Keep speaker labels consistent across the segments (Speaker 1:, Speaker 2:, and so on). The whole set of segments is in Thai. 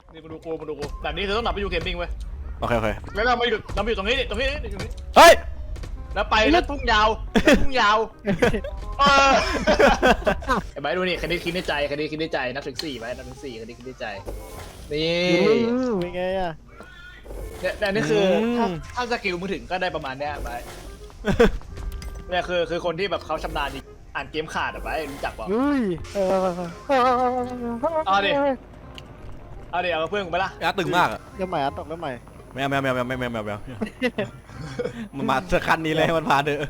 Speaker 1: นี่มาดูกูแบบนี้เธอต้องดับไปอยู่เกมมิ่งเว้ย
Speaker 2: โอเค
Speaker 1: แล้วเรามาอยู่ตรงนี้ตรงนี้
Speaker 2: เฮ้ย
Speaker 1: แล้วไปแล้วทุ่งยาวไอ้ใบดูนี่คดีคิดในใจนับถึง4ไว้นับถึง4คดีคิดในใจนี่
Speaker 3: เป็นไงอ่ะ
Speaker 1: เนี่ยนี่คือถ้าสกิลมึงถึงก็ได้ประมาณเนี้ยไปเนี่ยคือคนที่แบบเขาชำนาญอ่านเกมขาดอะไปรู้จักป่ะเอาเพื่อนกูไปละ
Speaker 2: ยักษ์ตึงมากอะ
Speaker 3: เริ่มใหม่ตกเริ่มใหม่
Speaker 2: แมวมันมาสักคันนี้เลยมันพาเด้อ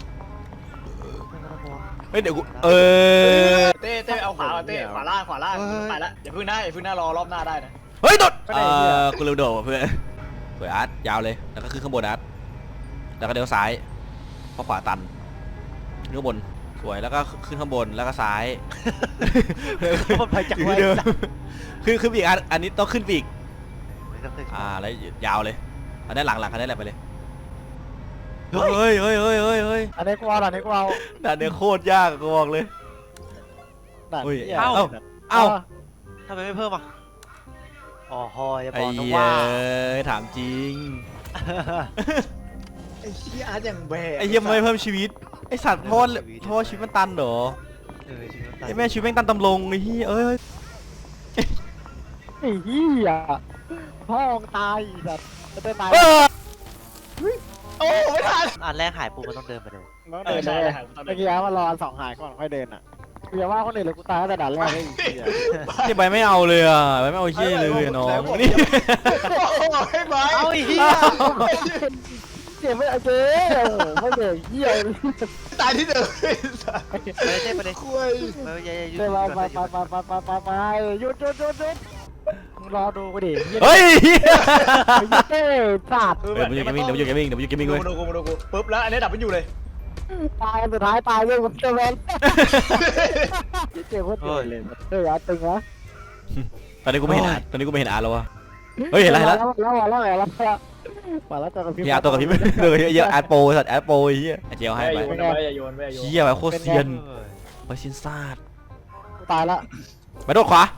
Speaker 2: เฮ้ยเดี๋ยวกู
Speaker 1: เต้เอาขวาเต้ขวาล่างไปละอย่าพึ่งหน้ารอรอบหน้าได้นะ
Speaker 2: เฮ้ยโดดกูลืมโดดเพื่อนสวยอาร์ตยาวเลยแล้วก็ขึ้นข้างบนอาร์ตแล้วก็เดี๋ยวซ้ายเพราะขวาตันขึ้นข้างบนสวยแล้วก็ขึ้นข้างบนแล้วก็ซ้าย
Speaker 3: มันไปจากไว้
Speaker 2: ขึ้นปีกอันนี้ต้องขึ้นปีกแล้วยาวเลยอันนี้หลังคันนี้แหละไปเลยเฮ้ย
Speaker 3: อันนี้กูเอาด่าน
Speaker 2: นี้โคตรยากกูบอกเลยเอ้า
Speaker 4: ทำไมไม่เพิ่มอ่ะอ๋ออย่าบ
Speaker 2: ไอ้
Speaker 4: อกนะ
Speaker 2: เหี้ย
Speaker 4: ว่า
Speaker 2: ถามจริง
Speaker 1: ไอ้เชี่ยอาร์ตอย่างแบก
Speaker 2: ไอ้เหี้ยไม่เพิ่มชีวิตไอ้สัตว์โทษชีวิตมันตันเหรอไอ้แม่ชีวิตแม่งตันตำลงไอ้เหี้ย
Speaker 3: ไอ้เหี้ยพ่อตายแบบจะตาย
Speaker 1: โอ้ไม่ทัน
Speaker 4: อันแรกหายปุ๊บมันต้องเดินไปเลย
Speaker 3: เดินเลยเมื่อกี้มารออัน2หายก่อนค่อยเดินอ่ะอย่าว่าคนอื่นเลยกูตายตั้งแต่ด่านแรกเลย
Speaker 2: ที่ใบไม่เอาเลยอ่ะใบไม่เอาเหี้ยเลยน้องนี่
Speaker 1: ให้ไหม
Speaker 4: เอาอีกที
Speaker 3: เจ็บไม่เอาเจ๊ไม่เด็กเหี้ย
Speaker 1: ตายที่เดิม
Speaker 4: ไปเลย
Speaker 1: คุย
Speaker 4: ไม่อย่าหยุด
Speaker 3: เดี๋ยวไปหยุดมึงรอดูกูดิ
Speaker 2: เฮ้ย
Speaker 3: เฮ้ยสัตว์
Speaker 2: มันอยู่เกมมิ่งเว้ย
Speaker 1: มาดูกูปุ๊บแล้วอันนี้ดับมันอยู่เลย
Speaker 3: ตายสุดท้ายตายเลยมันจะแมนเจ็บโคตรเลยอาตึงวะ
Speaker 2: ตอนนี้กูไม่เห็นอาร์แล้ววะเฮ้ยเห็นอะไรแล้ว
Speaker 3: มาแล้วตัวกับพี่
Speaker 2: พี่อาร์ตัวกับพี่เลยเยอะอาร์โปสัตว์อาร์โปเหี้ยเจียวให้ไป
Speaker 1: อย่าโยน
Speaker 2: เหี้ยแบบโคตรเซียนไปชินซาด
Speaker 3: ตายละ
Speaker 2: มาโดดขวาร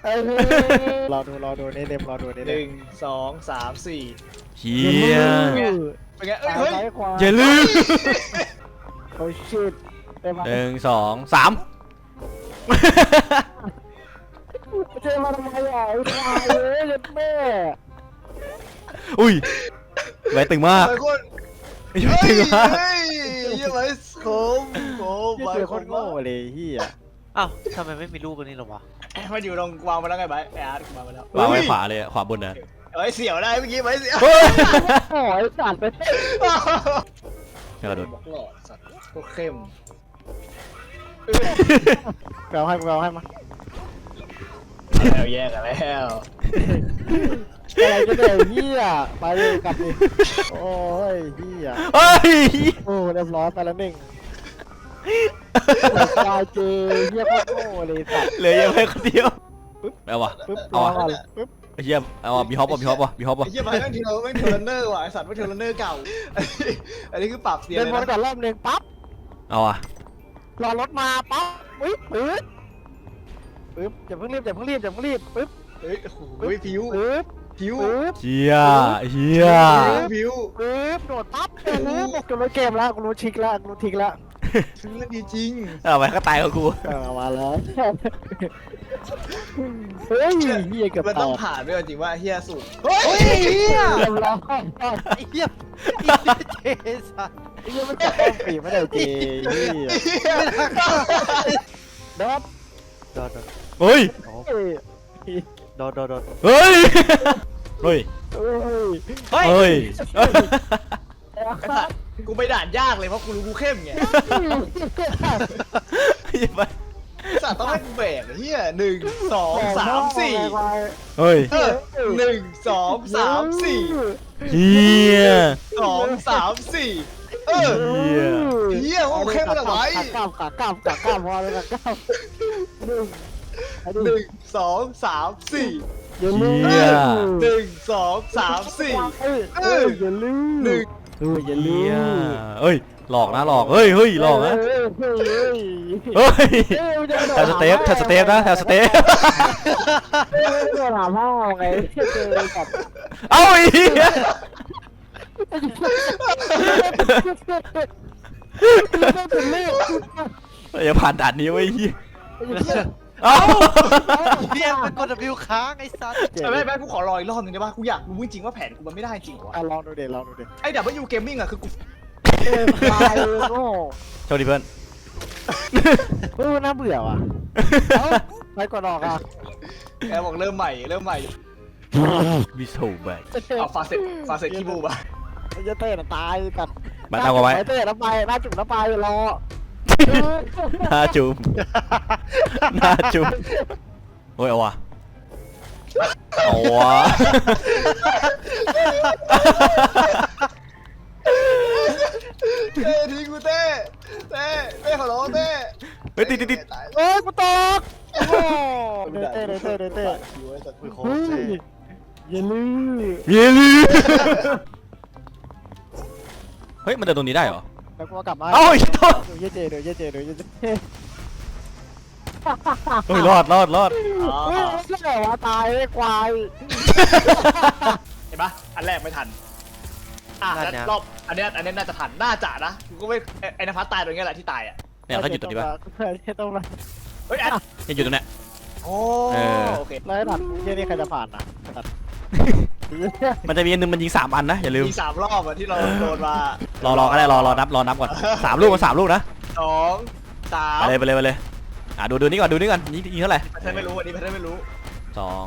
Speaker 3: อดูนี่เดมรอดูนี่
Speaker 1: 1 2 3 4
Speaker 2: เหี้ย
Speaker 1: เป็นไงเฮ้ย
Speaker 2: อย่าลืม
Speaker 3: โอ้ชิต
Speaker 2: 1 2 3
Speaker 3: เจมาทำไมอ่ะตายเลยแม่
Speaker 2: อุ้ยใบตึงมากตึงมาก
Speaker 1: เฮ้ยยังไงโคม
Speaker 3: เจอคนโง่เลยเฮีย
Speaker 4: อ้าวทำไมไม่มีรูปอันนี้หรอวะ
Speaker 1: มันอยู่ตรงวางมาแล้วไงใบแอร์วางมาแล้ว
Speaker 2: วางไว้ขวาเลยขวาบนนะ
Speaker 1: เฮ้ยเสียวได้เมื่อกี้ไว้เสียว
Speaker 3: โอ้ยสัตว์ไป
Speaker 2: กระโดด
Speaker 1: บอกหลอดสัตว์โคตรเข้ม
Speaker 3: เอาให้มา
Speaker 1: แล้วแยกกันแล้ว
Speaker 3: อะไรก็ได้เฮียไปเลยกลับดิโอ้ยเฮีย
Speaker 2: เฮ้ย
Speaker 3: โอ้เรียบร้อยไปแล้วหนึ่งตายเจเฮียโคตรโง่เลยสัตว์
Speaker 2: เหลือยังไม่คนเดียวเอาวะ
Speaker 3: ปึ๊บรอก่อนปึ๊บ
Speaker 2: เฮียเอาวะมีฮอปป่ะ
Speaker 1: ไอ้เหี้ยไปแม่งเทเลนเนอร์ว่ะไอสัตว์ไม่เทเลนเนอร์เก่าอันนี้คือปรับเสียง
Speaker 3: เดิน
Speaker 1: เลย
Speaker 3: วนก่อ
Speaker 1: นะ
Speaker 3: นรอบนึงปั๊บ
Speaker 2: เอาอะ
Speaker 3: รอรถมาปั๊บปึ๊บอย่าเพิ่งรีบปึ๊บ
Speaker 1: เฮ้ยโอ้โหผิว
Speaker 3: ปึ๊บ
Speaker 1: ผิ
Speaker 2: เฮีย
Speaker 1: ว
Speaker 3: ปึ๊บโดดปั๊บบอกจะรู้เกมแล้วกูรู้ทิกแล้ว
Speaker 1: ซื้อแล้วดีจริง
Speaker 2: เอาไปก็ตายกับกู
Speaker 3: มาแล้วเฮ้ยเฮียเกือบ
Speaker 1: มัน
Speaker 3: ตา
Speaker 1: ต้อง
Speaker 3: ย
Speaker 1: ผ่านด้วยจริงว่าเฮียสุดเฮ้ยเฮีย
Speaker 3: เรียบร้อย
Speaker 4: ไอ้เหี้ยเจสัน
Speaker 3: เฮียมันจะต้องปีไม่ได้เจเฮียโดด
Speaker 2: เฮ้ย
Speaker 4: โดน
Speaker 2: เฮ้ยเฮ้ย
Speaker 3: เฮ้ย
Speaker 1: กูไปด่านยากเลยเพราะกูรู้กูเข้มไงสัตว์ต้องให้กูแบกเฮีย1 2 3 4
Speaker 2: เฮ้ย
Speaker 1: 1 2 3 4
Speaker 2: เฮีย
Speaker 1: 2 3 4เฮียกูเข้มมาจากไหน
Speaker 3: ขากลับพอเลยขากลับ
Speaker 1: 1 2 3 4
Speaker 3: อย่าลืม
Speaker 1: 1 2 3 4
Speaker 3: อย่าลืม
Speaker 1: 1
Speaker 3: อย่าลืม
Speaker 2: เฮ้ยหลอกนะหลอกเฮ้ยหลอกนะเฮ้ยแถวสเตปนะแถวสเตป
Speaker 3: เดี๋ยวถามพ่อไงเจอกับ
Speaker 2: เอ้าไอ้เหี้ย
Speaker 3: เป็นเลข
Speaker 2: อย่าผ่านด่านนี้ไว้เหี้ยเอ้า
Speaker 4: เรียกเป็นกด W ค้างไอ้สัส
Speaker 1: ไม่กูขอรออีกรอบหนึงได้ป่ะกูอยากรู้จริงๆว่าแผนกูมันไม่ได้จริงวะ
Speaker 3: ลองดูเด็ลองดูเด็
Speaker 1: ไอ้W Gamingอะคือกู
Speaker 3: ตายโง่
Speaker 2: โชคดีเพื่อน
Speaker 3: น่าเบื่อว่ะไปกดออกอ่ะ
Speaker 1: แกบอกเริ่มใหม่
Speaker 2: วิโซแบก
Speaker 1: เอาฟาเสร็จคีบูมา
Speaker 3: จะเต้นตายกัด
Speaker 2: มาตามกันไว้
Speaker 3: เต้นแล้วไปหน้าจุ่มแล้วไปรอ
Speaker 2: หน้าจุ่มโอ้ยเอาวะ
Speaker 1: เต้ทิ้งกูเต้ขอร้องเต้
Speaker 2: เฮ้ยติด
Speaker 3: กูตกโอ้เต้
Speaker 4: อุ้ยโค
Speaker 3: เฮ้
Speaker 4: ตร
Speaker 3: ยอย่าลืม
Speaker 2: เย้ลืเฮ้ยมันเดินตรงนี้ได้เหรอ
Speaker 3: แล้วกูกลับมา
Speaker 2: เอ้าไอ้โทษ
Speaker 3: ดูเยเจดูเยเจ
Speaker 2: เฮ้ยรอด
Speaker 3: เฮ้ยไม่ใช่ว่าตายเลยควาย
Speaker 1: เห็นปะอันแรกไม่ทันแล้วรอบอันนี้น่าจะทันน่าจะนะกูก็ไม่ไอ้นภัสตายตรงนี้แหละที่ตายอ่ะ
Speaker 2: เนี่ยเขาหยุดตรงนี้ป่ะ
Speaker 3: ต้องมา
Speaker 1: เฮ้ยอัน
Speaker 2: เนี่ยหยุดตรงเนี้ย
Speaker 1: โอ้โอเค
Speaker 3: แล้วดัดเยี่ยนี่ใครจะผ่านนะดัด
Speaker 2: มันจะมีอันนึงมันยิง3 อันนะอย่าลืม
Speaker 1: มี3 รอบอะที่เราโดนมาร
Speaker 2: อก็ได้รอนับก่อน3 ลูก3 ลูกนะ
Speaker 1: 2 3
Speaker 2: ไปเลยดูนี่ก่อนยิงเท่าไหร่
Speaker 1: แพทเทิร์นไม่รู้อันนี้แพทเทิร์นไม่รู้
Speaker 2: 2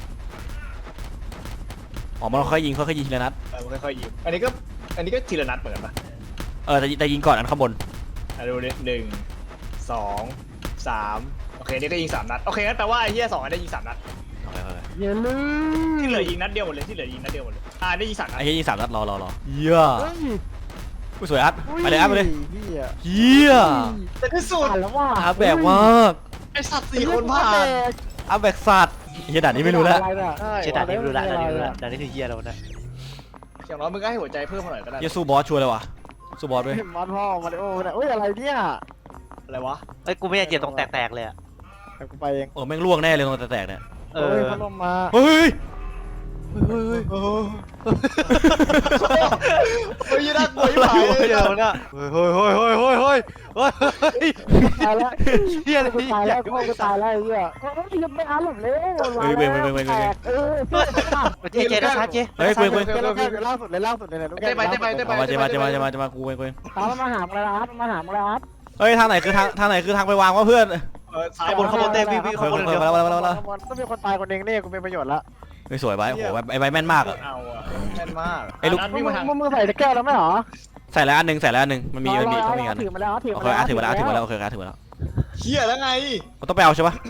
Speaker 2: อ๋อมันค่อยยิงทีละนัด
Speaker 1: มันค่อยๆยิงอันนี้ก็ทีละนัดเหมือนกันปะ
Speaker 2: แต่ยิงก่อนอันข้างบน
Speaker 1: ดูดิ1 2 3โอเคนี่ก็ยิง3 นัดโอเคงั้นแปลว่าไอ้เหี้ย2อันได้ยิง3 นัด
Speaker 3: อย่าลืม
Speaker 1: ที่เหลือยิงนัดเดียวหมดเลยได้ยิง3 นัด
Speaker 2: ไอ้เหี้ยยิง3 นัดรอเหี้ยกูสวยอัดไปเลย เหี้ย
Speaker 1: แต่ที่สุด
Speaker 3: ผ่านแล้วว่า
Speaker 2: อัพแบกมาก
Speaker 1: ไอ้สัตว์4 คนผ่าน
Speaker 2: อัพแบกสัตว์เฮียด่านนี้ไม่รู้แล้ว
Speaker 4: เจ๊ด่านนี้ไม่รู้ละด่านนี้คือเฮียแล้วนะ
Speaker 1: อย่างน้อยมึงก็ให้หัวใจเพิ่มมาหน่อยก็ได้
Speaker 2: เฮียสู้บอสชัวร์เลยว่ะสู้บอสด้วย
Speaker 3: มันพ่อมาริโอ้เนี่ยอุ้ยอะไรเนี่ย
Speaker 1: อะไรวะ
Speaker 4: เอ้ยกูไม่อยากเจ็บตรงแตกๆเลยอะ
Speaker 3: กูไปเอง
Speaker 2: แม่งล่วงแน่เลยตรงแตกเนี่ย
Speaker 4: เอ
Speaker 3: เฮ้ย
Speaker 4: อ
Speaker 3: พัดลมมา
Speaker 2: เฮ้ย
Speaker 1: เฮ้ยน่ากลัวยิ่งหาย
Speaker 4: เดี๋ยวนะเฮ้ย
Speaker 3: ตายแล้ว
Speaker 4: เฮียเลย
Speaker 3: กูตายแล้วกูตายแล้วไอ้เหี้ยก็ยังไม่อ่านหรอกเลย
Speaker 4: เจ๊นะชาเจ๊
Speaker 2: เฮ้ยเว้ย
Speaker 3: ล่าสุดเลย
Speaker 1: เต้ไป
Speaker 2: จะมากูเว้ย
Speaker 3: ตามมาหามึงแล้วมาหามึงแล้ว
Speaker 2: เฮ้ยทางไหนคือทางไปวางวะเพื่อน
Speaker 1: ซ้าย
Speaker 4: ขบวนเต้วิ่งขบวนเดียว
Speaker 3: ต้องมีคนตายคนเองนี่กูเป็นประโยชน์ละ
Speaker 2: เฮ้ยสวยไปโอ้โหไอ้ใบแม่นมากอะ
Speaker 1: เอาอะแม่นมาก
Speaker 2: ไอ้ลูก
Speaker 1: วิ่งมาทาง
Speaker 3: มึงใส่แก้วแล้วไหมหรอ
Speaker 2: ใส่แล้วอันหนึ่งมันมีต้องมีอัน
Speaker 3: ถือมาแล้วถือ
Speaker 2: โอ
Speaker 3: มา
Speaker 2: เค
Speaker 3: แล้ว
Speaker 2: ถือมาแล้วโอเคถือมาแล้ว
Speaker 1: เฮียแล้วไง
Speaker 2: มันต้องไปเอาใช่ปะ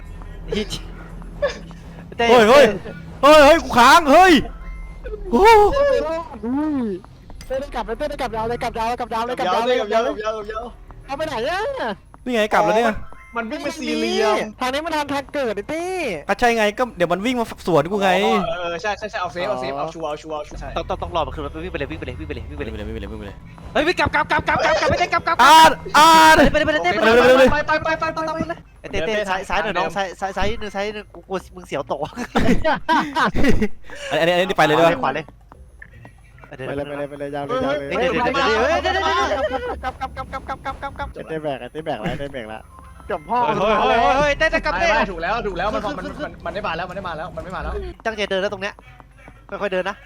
Speaker 4: เต้
Speaker 2: เฮ้ยกูค้างเฮ้ยโอ้
Speaker 3: เต้นกลับเลยเต้นกลับยาวเลยกลับยาวกลับยาวเลยกลับ
Speaker 1: ยาวย
Speaker 3: าวเลย
Speaker 1: กับยาว
Speaker 3: เอาไปไหนอ่ะ
Speaker 2: นี่ไงกลับแล้วเนี่ย
Speaker 1: มันวิ่งไปสี่เหลี่ยม
Speaker 3: ทางนี้มันทางเกิดดิตี้
Speaker 2: ก็ใช่ไงก็เดี๋ยวมันวิ่งมาสวนกูไง
Speaker 1: ใช่เอาเซฟเอาชัวร์ใช่
Speaker 4: ต้องรอมันขึ้นมาวิ่งไปเลย
Speaker 2: ไม่ไปเลย
Speaker 4: เฮ้ยวิ่งกลับไม่ได้กลับ ไปเลย เต้ซ้ายหน่อยน้องซ้ายนึงกูกลัวมึงเสียวตก
Speaker 2: อันนี้ไปเลยด้วย
Speaker 4: ขวาเลย
Speaker 3: ไปเลยยาวเลยยาวเลยเต้แบกแล้วจบพ่อ
Speaker 4: เฮ้ยเต้กลับเต้
Speaker 1: ถูกแล้วมันไม่มาแล้วมันไม่มาแล้ว
Speaker 4: ตั้งใจเดินแล้วตรงเนี้ยค่อยๆเดินนะ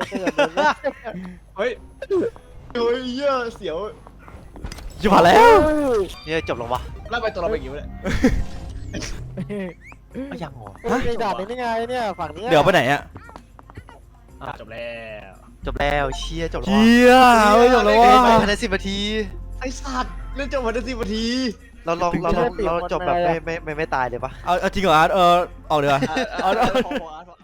Speaker 1: เฮ้ยเหี้ยเสียว
Speaker 2: จะผ่านแล้ว
Speaker 4: เนี่ยจบลงวะ
Speaker 1: แล้วไปตัวเราไปกี่วะเนี่ย
Speaker 4: ไม่ยังหรอ
Speaker 3: มีด่านนี้ไงเนี่ยฝั่งนี้
Speaker 2: เดี๋ยวไปไหนอะ
Speaker 1: จบแล้ว
Speaker 4: เชียจบแล้ว
Speaker 2: เฮียไม่จบแล้วว่ะ
Speaker 4: ภายใน10 นาที
Speaker 1: ไอสัตว์เล่นจบมาได้10 นาที
Speaker 4: เราจบแบบไม่ตายเลยปะ
Speaker 2: เอาจริงเหรออาร์ตออกเดี๋ยว
Speaker 1: พอ